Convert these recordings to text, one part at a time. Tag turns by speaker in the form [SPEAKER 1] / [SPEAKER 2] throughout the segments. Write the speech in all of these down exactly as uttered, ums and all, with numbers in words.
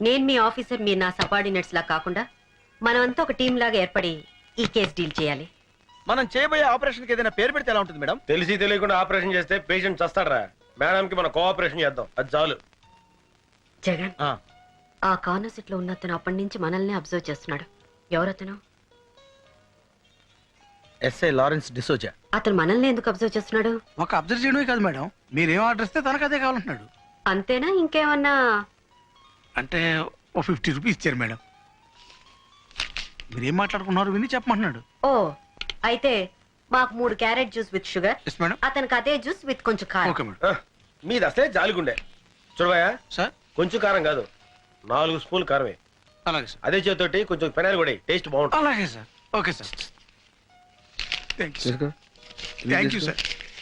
[SPEAKER 1] నేను మీ ఆఫీసర్, మీరు నా సబార్డినేట్స్ లా కాకుండా మనమంతా ఒక టీం లాగా ఏర్పడి ఈ కేసు డీల్ చేయాలి.
[SPEAKER 2] మనం చేయబోయే ఆపరేషన్ కి ఏదైనా పేరు పెడితే ఎలా ఉంటుంది మేడం?
[SPEAKER 3] తెలిసి తెలియకుండా ఆపరేషన్ చేస్తే పేషెంట్ చస్తాడరా. మేడం కి మనం కోఆపరేషన్ చేద్దాం, అది చాలు.
[SPEAKER 1] జగన్, ఆ కార్నర్ సీట్ లో ఉన్న అతను అప్పటి నుంచి మనల్ని అబ్జర్వ్ చేస్తున్నాడు. ఎవరతను?
[SPEAKER 2] SI Lawrence D'Souza.
[SPEAKER 1] అతను మనల్ని ఎందుకు అబ్జర్వ్ చేస్తున్నాడు?
[SPEAKER 4] ఒక అబ్జర్వ్ చేయడమే కాదు మేడం, మీరేం ఆర్డర్ ఇస్తే తనకు అదే కావాలంటున్నాడు.
[SPEAKER 1] అంతేనా? ఇంకేమన్నా?
[SPEAKER 4] అంటే ఓ ఫిఫ్టీ రూపీస్ ఇచ్చారు మేడం. మీరేం మాట్లాడుకున్నారు విని చెప్పమంటున్నాడు.
[SPEAKER 1] ఓ, అయితే మాకు మూడు క్యారెట్ జ్యూస్ విత్ షుగర్, అతనికి అదే జ్యూస్ విత్ కొంచెం కారం.
[SPEAKER 3] మీది అసలే జాలిగుండే. చూడవయ్యా
[SPEAKER 4] సార్,
[SPEAKER 3] కొంచెం కారం కాదు, నాలుగు స్పూన్లు కారమే.
[SPEAKER 4] అలాగే సార్.
[SPEAKER 3] అదే చేతోటి కొంచెం పెనాలు కూడా టేస్ట్ బాగుంటుంది.
[SPEAKER 4] అలాగే sir. Okay sir. Thank you thank you sir.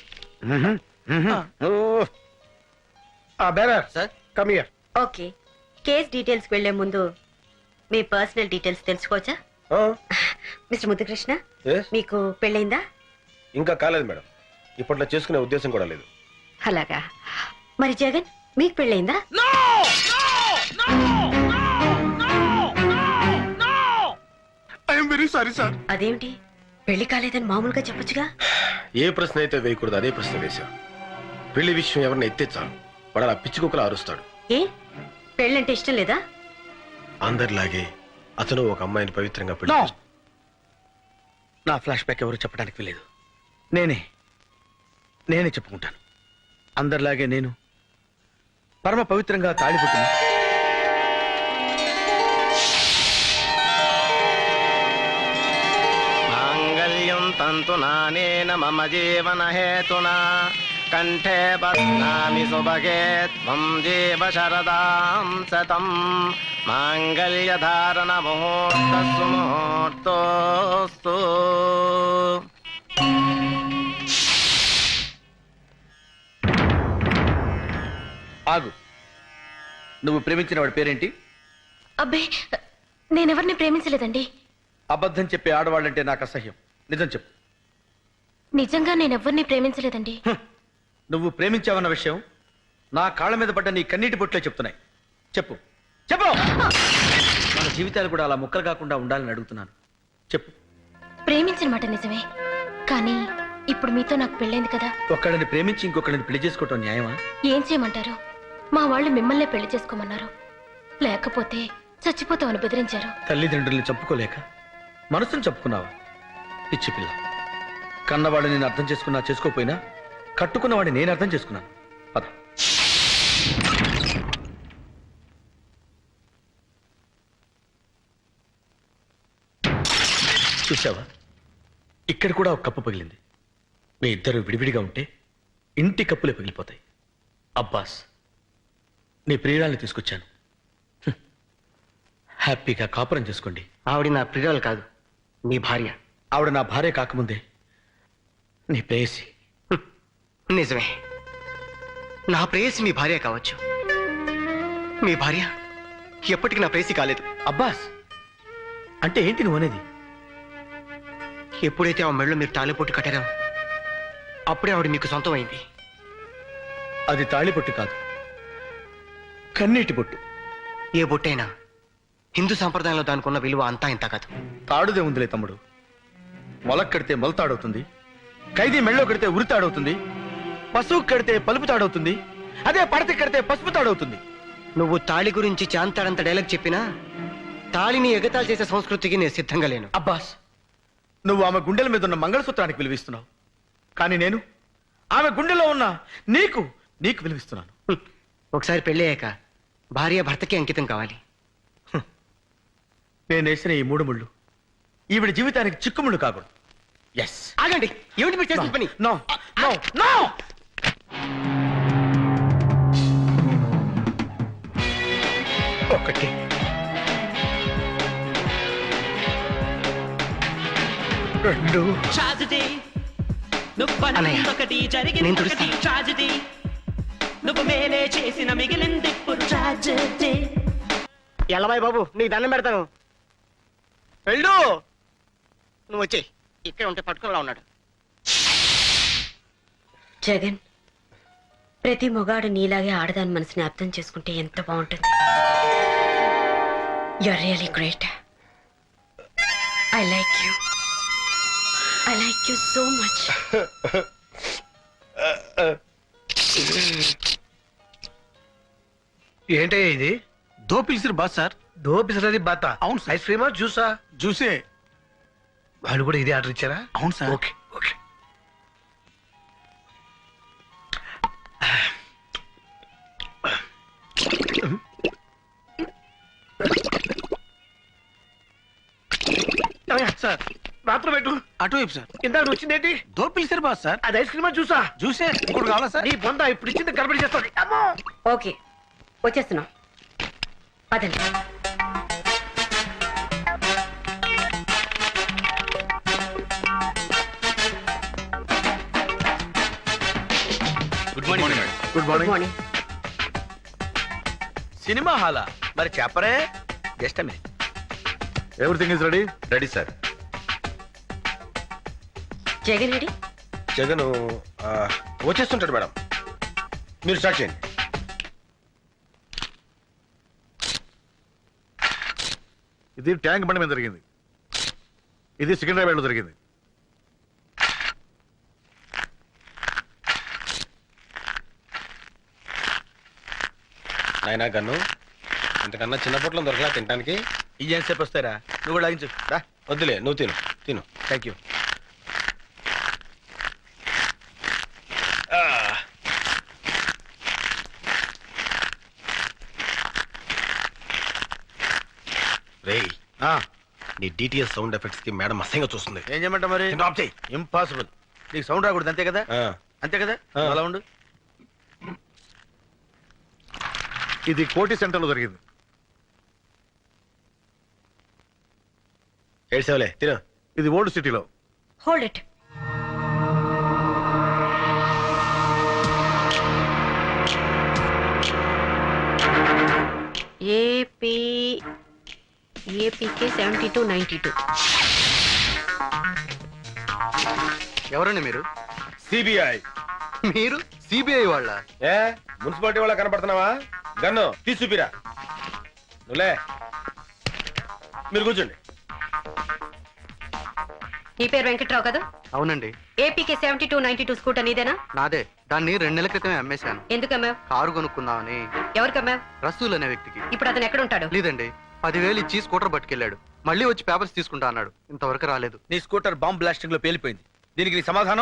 [SPEAKER 3] Bearer sir, come here.
[SPEAKER 1] Okay, case details వెళ్లే ముందు మీ పర్సనల్ డీటెయిల్స్ తెలుసుకోవచ్చా? మిస్టర్ ముద్దుకృష్ణ, మీకు పెళ్ళైందా?
[SPEAKER 3] ఇంకా కాలేదు మేడం, ఇప్పట్లో చేసుకునే ఉద్దేశం కూడా లేదు.
[SPEAKER 1] అలాగా. మరి జగన్, మీకు పెళ్ళైందా?
[SPEAKER 4] I'm very sorry sir.
[SPEAKER 1] అదేమిటి, పెళ్లి కాలేదని మామూలుగా చెప్పొచ్చుగా?
[SPEAKER 3] ఏ ప్రశ్న అయితే వేయకూడదు అదే ప్రశ్న వేశావు. పెళ్లి విషయం ఎవరిని ఎత్తే చాలు వాడు అలా పిచ్చి కుక్కలా అరుస్తాడు.
[SPEAKER 1] ఏ, పెళ్ళంటే ఇష్టం లేదా?
[SPEAKER 3] అందరిలాగే అతను ఒక అమ్మాయిని పవిత్రంగా పెళ్లి.
[SPEAKER 2] నా ఫ్లాష్ బ్యాక్ ఎవరు చెప్పడానికి వీలేదు. నేనే నేనే చెప్పుకుంటాను. అందరిలాగే నేను పరమ పవిత్రంగా తాళిపుట్టిన
[SPEAKER 5] మాంగళ్యం తంతునానేన మమ జీవన హేతునా కంఠే బధ్నామి సుభగే త్వం జీవ శరదాం శతం మాంగళ్య ధారణ ముహూర్తస్సు ముహూర్తోస్తు.
[SPEAKER 2] ఆగు. నువ్వు ప్రేమించిన వాడి పేరేంటి?
[SPEAKER 6] అబ్బే, నేనెవరిని ప్రేమించలేదండి.
[SPEAKER 2] అబద్ధం చెప్పే ఆడవాళ్ళంటే నాకు అసహ్యం. నిజం చెప్పు.
[SPEAKER 6] నిజంగా నేనెవరిని ప్రేమించలేదండి.
[SPEAKER 2] నువ్వు ప్రేమించావన్న విషయం నా కాళ్ళ మీద పడ్డ నీ కన్నీటి బొట్లే చెప్తున్నాయి. చెప్పు చెప్పు. మన జీవితాలు కూడా అలా ముక్కలు కాకుండా ఉండాలని అడుగుతున్నాను. చెప్పు.
[SPEAKER 6] ప్రేమించిన మాట నిజమే, కానీ ఇప్పుడు మీతో నాకు పెళ్ళైంది కదా.
[SPEAKER 2] ఒక్కడిని ప్రేమించి ఇంకొకడిని పెళ్లి చేసుకోవటం న్యాయమా?
[SPEAKER 6] ఏం చేయమంటారు? మా వాళ్ళు మిమ్మల్నే పెళ్లి చేసుకోమన్నారు, లేకపోతే చచ్చిపోతామని బెదిరించారు.
[SPEAKER 2] తల్లిదండ్రుల్ని చంపుకోలేక మనసును చంపుకున్నావా? పిచ్చి పిల్ల. కన్నవాడిని నేను అర్థం చేసుకున్నా చేసుకోపోయినా కట్టుకున్నవాడిని నేను అర్థం చేసుకున్నాను. పద. చూసావా, ఇక్కడ కూడా ఒక కప్పు పగిలింది. మీ ఇద్దరు విడివిడిగా ఉంటే ఇంటి కప్పులే పగిలిపోతాయి. అబ్బాస్, నీ ప్రియురాల్ని తీసుకొచ్చాను. హ్యాపీగా కాపురం చేసుకోండి.
[SPEAKER 5] ఆవిడ నా ప్రియురాలు కాదు, మీ భార్య.
[SPEAKER 2] ఆవిడ నా భార్య కాకముందే నీ ప్రేయసి.
[SPEAKER 5] నిజమే, నా ప్రేయసి మీ భార్య కావచ్చు, మీ భార్య ఎప్పటికీ నా ప్రేయసి కాలేదు.
[SPEAKER 2] అబ్బాస్, అంటే ఏంటి నువ్వు అనేది?
[SPEAKER 5] ఎప్పుడైతే ఆ మెళ్ళో మీరు తాళిపొట్టు కట్టారో అప్పుడే ఆవిడ మీకు సొంతం అయింది.
[SPEAKER 2] అది తాళిపొట్టు కాదు, కన్నీటి బొట్టు.
[SPEAKER 5] ఏ బొట్టైనా హిందూ సంప్రదాయంలో దానికి ఉన్న విలువ అంతా ఇంత కాదు.
[SPEAKER 2] తాడుదే ఉందిలే తమ్ముడు. మొలక్ కడితే మొలతాడవుతుంది, ఖైదీ మెళ్ళో కడితే ఉరితాడవుతుంది, పశువు కడితే పలుపు తాడవుతుంది, అదే పడత కడితే పసుపు తాడవుతుంది.
[SPEAKER 5] నువ్వు తాళి గురించి చాంతాడంత డైలాగ్ చెప్పినా తాళిని ఎగతాళి చేసే సంస్కృతికి నేను సిద్ధంగా లేను.
[SPEAKER 2] అబ్బాస్, నువ్వు ఆమె గుండెల మీద ఉన్న మంగళసూత్రానికి విలువిస్తున్నావు, కానీ నేను ఆమె గుండెలో ఉన్న నీకు నీకు విలువిస్తున్నాను.
[SPEAKER 5] ఒకసారి పెళ్ళయ్యాక భార్య భర్తకి అంకితం కావాలి.
[SPEAKER 2] నేను వేసిన ఈ మూడు ముళ్ళు ఈవిడ జీవితానికి చిక్కుముళ్ళు కాకూడదు. ఎస్.
[SPEAKER 5] ఆగండి, ఏమిటి మీరు చేసిన పని?
[SPEAKER 2] No no no. ఒకటి, రెండు.
[SPEAKER 5] నేను తుడుస్తాను. ఎల్లబాయ్ బాబు, నీకు దండం పెడతాను. వెళ్ళు. నువ్వు వచ్చే ఇక్కడ ఉంటే పట్టుకునేలా ఉన్నాడు.
[SPEAKER 1] జగన్, ప్రతి మొగాడు నీలాగే ఆడదాని మనసుని అర్థం చేసుకుంటే ఎంత బాగుంటుంది. You're really great. I like you. I like you so much.
[SPEAKER 4] ఏంటయ్యా ఇది?
[SPEAKER 7] దో పిలిచిరు బాస్ సార్.
[SPEAKER 4] దో పిసరది బాత.
[SPEAKER 7] అవును సార్.
[SPEAKER 4] ఐస్ క్రీమా జ్యూసా?
[SPEAKER 7] జ్యూసే.
[SPEAKER 4] వాళ్ళు కూడా ఇదే ఆర్డర్ ఇచ్చారా?
[SPEAKER 7] అవును సార్.
[SPEAKER 4] Okay okay.
[SPEAKER 7] సార్
[SPEAKER 4] మాత్రం పెట్టు.
[SPEAKER 7] అటువైపు సార్.
[SPEAKER 4] ఇందాక నువ్వు వచ్చిందేంటి?
[SPEAKER 7] దో పిలిచిరు బాస్ సార్.
[SPEAKER 4] అది ఐస్ క్రీమా జ్యూసా?
[SPEAKER 7] జ్యూసే. ఇంకోటి కావాలా సార్?
[SPEAKER 4] నీ బొంద ఇప్పుడు ఇచ్చింది గడబడి చేస్తుంది. అమ్మో.
[SPEAKER 1] ఓకే వచ్చేస్తున్నాం పదండి.
[SPEAKER 2] Good morning
[SPEAKER 3] good
[SPEAKER 1] good
[SPEAKER 3] morning.
[SPEAKER 1] Morning.
[SPEAKER 2] Cinema హాలా మరి చెప్పరే. Just minute.
[SPEAKER 3] Everything is ready? Ready sir.
[SPEAKER 1] Jagan Reddy?
[SPEAKER 3] Jagan వచ్చేస్తుంటాడు మేడం, మీరు స్టార్ట్ చేయండి.
[SPEAKER 8] ఇది ట్యాంక్ బండి మీద జరిగింది. ఇది సికింద్రాబాద్ లో జరిగింది.
[SPEAKER 3] నాయనా గన్ను, ఇంతకన్నా చిన్న పొట్లం దొరకలా తినడానికి?
[SPEAKER 2] ఇదేం సేపు వస్తారా? నువ్వు కూడా లాగించు రా.
[SPEAKER 3] వద్దులే, నువ్వు తిను తిను.
[SPEAKER 2] Thank you.
[SPEAKER 3] రేయ్, నీ డిటిఎస్ సౌండ్ ఎఫెక్ట్స్ కి మేడం అసహ్యంగా చూస్తుంది.
[SPEAKER 2] ఏం చేయమంటావు మరి?
[SPEAKER 3] ఆఫ్ చేయి.
[SPEAKER 2] ఇంపాసిబుల్. నీకు సౌండ్ రాకూడదు అంతే కదా?
[SPEAKER 3] ఆ,
[SPEAKER 2] అంతే కదా?
[SPEAKER 3] ఆ.
[SPEAKER 2] అలా ఉండు.
[SPEAKER 8] ఇది కోటి సెంటర్ లో జరిగింది.
[SPEAKER 3] ఏడ్చావులే, తిను.
[SPEAKER 8] ఇది ఓల్డ్ సిటీలో.
[SPEAKER 1] Hold it. AP APK seventy two ninety two.
[SPEAKER 5] ఎవరండి మీరు?
[SPEAKER 3] సిబిఐ.
[SPEAKER 5] మీరు సిబిఐ వాళ్ళ?
[SPEAKER 3] ఏ మున్సిపాలిటీ వాళ్ళ కనపడుతున్నావా? గన్ను తీసుపిరా. నువ్వులే, మీరు కూర్చోండి.
[SPEAKER 1] నీ పేరు వెంకట్రావు కదా?
[SPEAKER 5] అవునండి.
[SPEAKER 1] APK seventy two ninety two scooter నీదేనా?
[SPEAKER 5] నాదే. దాన్ని రెండు నెలల క్రితమే అమ్మేశాను.
[SPEAKER 1] ఎందుకు అమ్మావు?
[SPEAKER 5] కారు కొనుక్కుందామని.
[SPEAKER 1] ఎవరికి అమ్మావు?
[SPEAKER 5] రసూల్ అనే వ్యక్తికి.
[SPEAKER 1] ఇప్పుడు అతను ఎక్కడ ఉంటాడు?
[SPEAKER 5] లేదండి, పదివేలు ఇచ్చి స్కూటర్ పట్టుకెళ్ళాడు. మళ్ళీ వచ్చి పేపర్స్ తీసుకుంటా అన్నాడు. ఇంతవరకు రాలేదు.
[SPEAKER 2] నీ స్కూటర్ బాంబ్ బ్లాస్టింగ్ లో పేలిపోయింది. దీనికి నీ సమాధానం?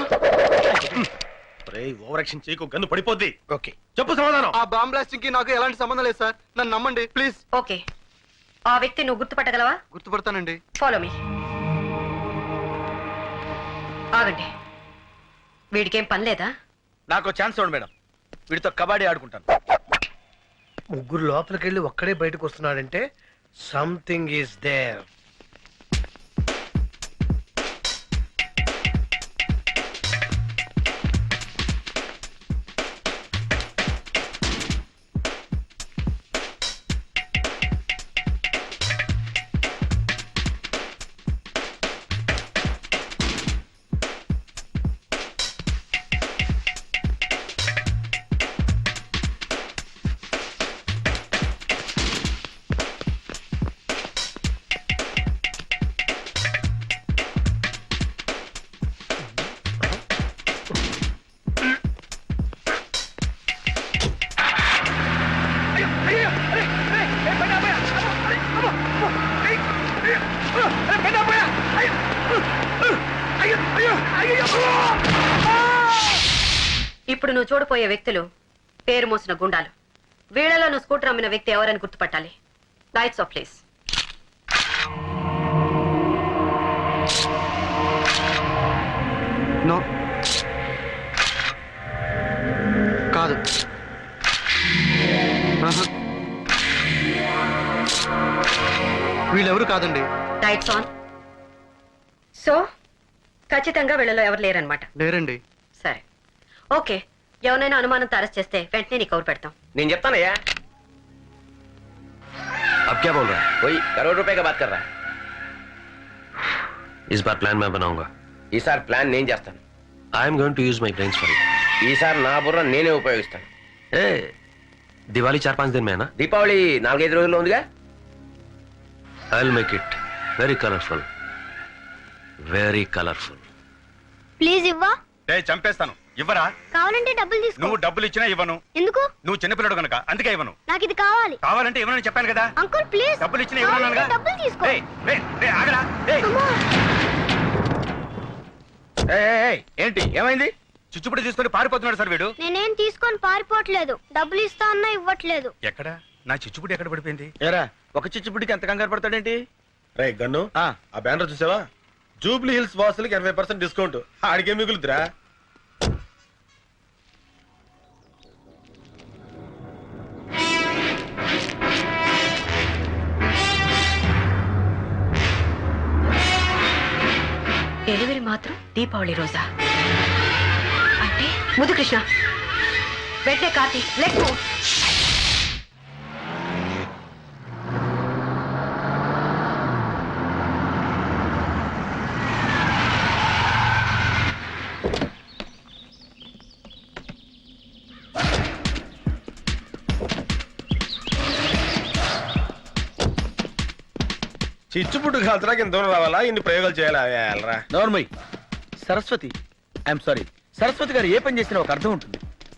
[SPEAKER 3] ఓవర్ యాక్షన్ చేయకు, గన్ను పడిపోద్ది. ఓకే, చెప్పు సమాధానం.
[SPEAKER 5] ఆ బాంబ్ బ్లాస్టింగ్ కి నాకు ఎలాంటి సంబంధం లేదు సార్. నన్ను నమ్మండి ప్లీజ్.
[SPEAKER 1] ఓకే, ఆ వ్యక్తి నువ్వు గుర్తుపట్టగలవా?
[SPEAKER 5] గుర్తుపడతానండి.
[SPEAKER 1] Follow me. ఆగండి, వీడికేం పని లేదా?
[SPEAKER 2] నాకు ఛాన్స్ ఇవ్వండి మేడం, వీడితో కబడ్డీ ఆడుకుంటాను.
[SPEAKER 4] ముగ్గురు లోపలికి వెళ్ళి ఒక్కడే బయటకు వస్తున్నాడంటే సంథింగ్ ఈస్ దేర్.
[SPEAKER 1] ఇప్పుడు నువ్వు చూడపోయే వ్యక్తులు పేరు మోసిన గుండాలు. వీళ్ళలో నువ్వు స్కూటర్ అమ్మిన వ్యక్తి ఎవరని గుర్తుపట్టాలి. Lights off please.
[SPEAKER 5] నో, కాదు. ఆహా. వీళ్ళెవరు కాదండి.
[SPEAKER 1] Lights on. సో ఖచ్చితంగా వీళ్ళలో ఎవరు లేరనమాట.
[SPEAKER 5] లేరండి.
[SPEAKER 1] సరే, ఓకే. ఎవరైనా అనుమానంతో అరెస్ట్ చేస్తే వెంటనే నీకు కవర్ పెడతాం.
[SPEAKER 9] నేను చెప్తానయ్యా.
[SPEAKER 3] अब क्या बोल रहा है?
[SPEAKER 9] कोई करोड़ रुपए का बात कर रहा है.
[SPEAKER 3] इस बार प्लान मैं बनाऊंगा.
[SPEAKER 9] ఈసారి ప్లాన్ నేను చేస్తాను.
[SPEAKER 3] I am going to use my brains for it.
[SPEAKER 9] ఈసారి నా బుర్ర నేనే ఉపయోగిస్తాను.
[SPEAKER 3] ए, दिवाली चार पांच दिन में है ना?
[SPEAKER 9] దీపావళి నాలుగైదు రోజుల్లో ఉందిగా.
[SPEAKER 3] I will make it very colourful very colourful.
[SPEAKER 10] Please ఇవ్వా.
[SPEAKER 7] ఏ చంపేస్తాను. ఇవ్వరా?
[SPEAKER 10] కావాలంటే డబ్బులు తీసుకో.
[SPEAKER 7] నువ్వు డబ్బులు ఇచ్చినా ఇవ్వను.
[SPEAKER 10] ఎందుకు?
[SPEAKER 7] నువ్వు చిన్నపిల్లడు కనుక అందుకే ఇవ్వను.
[SPEAKER 10] నాకు ఇది కావాలి.
[SPEAKER 7] కావాలంటే ఇవ్వనని చెప్పాను కదా.
[SPEAKER 10] Uncle please.
[SPEAKER 7] డబ్బులు ఇచ్చినా ఇవ్వను.
[SPEAKER 10] డబ్బులు తీసుకో.
[SPEAKER 7] ఏయ్, ఏయ్, ఏయ్, ఆగరా. ఏయ్.
[SPEAKER 10] అమ్మా.
[SPEAKER 2] ఏయ్, ఏయ్, ఏయ్, ఏంటి ఏమైంది?
[SPEAKER 7] చిచ్చుపుడి తీసుకొని పారిపోతున్నాడు సార్ వీడు.
[SPEAKER 10] నేనేం తీసుకొని పారిపోవట్లేదు. డబ్బులు ఇస్తా అన్నా ఇవ్వట్లేదు.
[SPEAKER 7] ఎక్కడ నా చిచ్చుపుడి ఎక్కడ పడిపోయింది?
[SPEAKER 2] ఏరా ఒక చిచ్చుపుడికి ఎంత కంగారు పడతాడేంటి?
[SPEAKER 3] రే గన్ను,
[SPEAKER 2] ఆ,
[SPEAKER 3] ఆ బ్యానర్ చూసావా? జూబ్లీ హిల్స్ వాసులకి ఎనభై పర్సెంట్ డిస్కౌంట్. ఆడికే మిగులుతురా.
[SPEAKER 1] డెలివరీ మాత్రం దీపావళి రోజా? అంటే ముద్దు కృష్ణ వెంటనే కార్తీ లెట్ మూవ్.
[SPEAKER 3] చిచ్చుపుట్టు కాల్చడానికి ఇంత దూరం రావాలా? ఇన్ని ప్రయోగాలు చేయాలా? వెళ్ళరా.
[SPEAKER 2] నోర్మయ్. సరస్వతి, ఐఎమ్ సారీ, సరస్వతి గారు ఏ పని చేసినా ఒక అర్థం ఉంటుంది.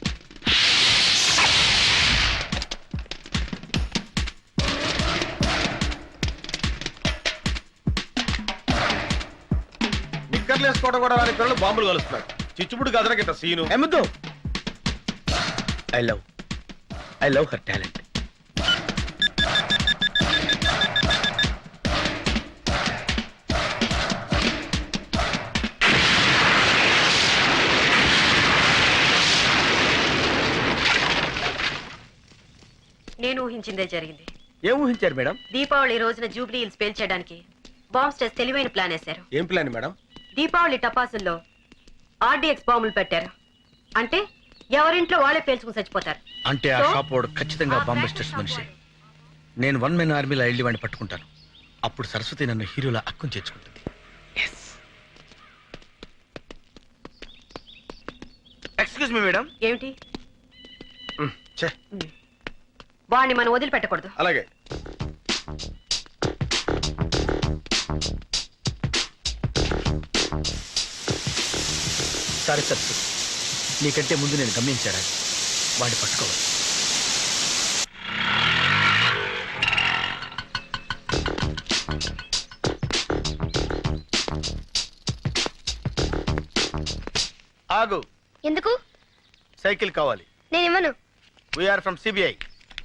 [SPEAKER 3] నిక్కర్లు వేసుకోవడం కూడా రాని పిల్లలు బాంబులు కలుస్తున్నారు. చిచ్చుపుట్టు కాల్చడానికి ఇంత సీను.
[SPEAKER 2] ఎమ్మద్దు. I love I love her talent.
[SPEAKER 1] నేను ఊహించిందే జరిగింది.
[SPEAKER 2] ఏం ఊహించారు మేడం?
[SPEAKER 1] దీపావళి రోజున జూబ్లీ హిల్స్ పేల్చేయడానికి బాంబ్ స్టేస్ తెలివైన ప్లాన్ వేశారు.
[SPEAKER 3] ఏం ప్లాన్ మేడం?
[SPEAKER 1] దీపావళి టపాసుల్లో ఆర్డీఎక్స్ బాంబులు పెట్టారు. అంటే ఎవరింట్లో వాళ్ళే పేల్చుకుని చచ్చిపోతారు.
[SPEAKER 2] అంటే ఆ
[SPEAKER 1] So?
[SPEAKER 2] షాప్ వాడు ఖచ్చితంగా బాంబస్టర్స్ మనిషి. నేను వన్ మెన్ ఆర్మీలో వెళ్ళి వాడిని పట్టుకుంటాను. అప్పుడు సరస్వతి నన్ను హీరోలా అక్కుని చేర్చుకుంటుంది.
[SPEAKER 7] Excuse me madam.
[SPEAKER 1] ఏమిటి?
[SPEAKER 3] ఛే,
[SPEAKER 1] వాడిని మనం వదిలిపెట్టకూడదు.
[SPEAKER 3] అలాగే.
[SPEAKER 2] సారీ సరస్వతి, నీకంటే ముందు నేను గమనించారా వాడిని పట్టుకోవాలి. ఆగు.
[SPEAKER 10] ఎందుకు?
[SPEAKER 2] సైకిల్ కావాలి.
[SPEAKER 10] నేను ఇవ్వను.
[SPEAKER 2] We're from CBI.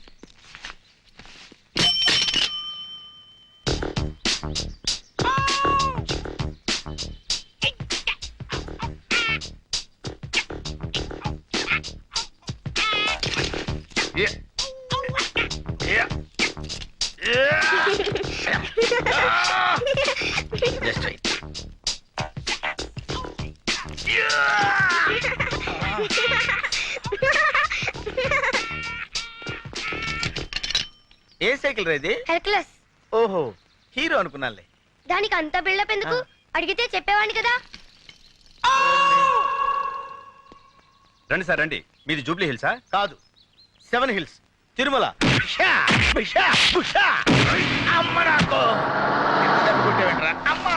[SPEAKER 2] Just right. ఏ సైకిల్ రైది?
[SPEAKER 10] హెర్క్లెస్.
[SPEAKER 2] ఓహో, హీరో అనుకున్నానులే.
[SPEAKER 10] దానికి అంత బిల్డప్ ఎందుకు? అడిగితే చెప్పేవాడిని కదా.
[SPEAKER 7] రండి సార్ రండి. మీది జూబ్లీ హిల్సా?
[SPEAKER 2] కాదు, సెవెన్ హిల్స్, తిరుమల. షా, షా, షా. అమ్మ నాకు ఎంత దెబ్బ కొట్టావేంట్రా? అమ్మా.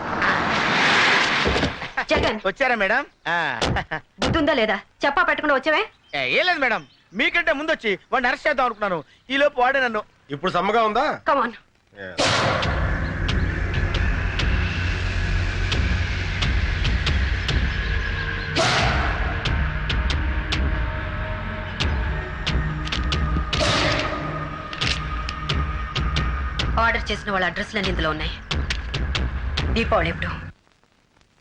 [SPEAKER 1] జగన్,
[SPEAKER 2] వచ్చారా మేడం? ఆ.
[SPEAKER 1] బుద్ధుందా లేదా? చెప్పా పెట్టకుండా వచ్చావే?
[SPEAKER 2] ఏ, ఏం లేదు మేడం, మీకంటే ముందు వచ్చి వాడిని అరెస్ట్ చేద్దాం అనుకున్నాను. ఈ లోపు వాడే నన్ను.
[SPEAKER 3] ఇప్పుడు సమ్మగా ఉందా?
[SPEAKER 1] కమాన్. ఆర్డర్ చేసిన వాళ్ళ అడ్రస్లన్నీ ఇందులో ఉన్నాయి. దీపావళి ఎప్పుడు?